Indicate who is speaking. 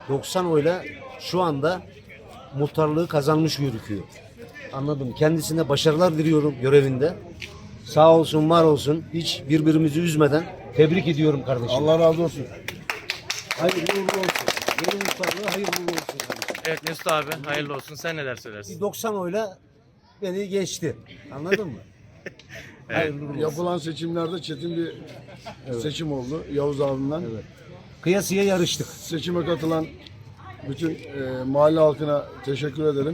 Speaker 1: 90 oyla şu anda muhtarlığı kazanmış gözüküyor. Anladım. Kendisine başarılar diliyorum görevinde. Sağ olsun, var olsun. Hiç birbirimizi üzmeden tebrik ediyorum kardeşim.
Speaker 2: Allah razı olsun.
Speaker 1: Hayırlı uğurlu olsun. Yeni muhtarlığı hayırlı uğurlu olsun kardeşim.
Speaker 3: Evet Mesut abi hayırlı olsun. Sen neler
Speaker 1: Bir
Speaker 3: söylersin?
Speaker 1: 90 oyla beni geçti. Anladın mı? Hayırlı uğurlu olsun.
Speaker 2: Yapılan seçimlerde çetin bir seçim oldu Yavuz abimden.
Speaker 1: Evet. Kıyasıya yarıştık.
Speaker 2: Seçime katılan bütün mahalle halkına teşekkür ederim.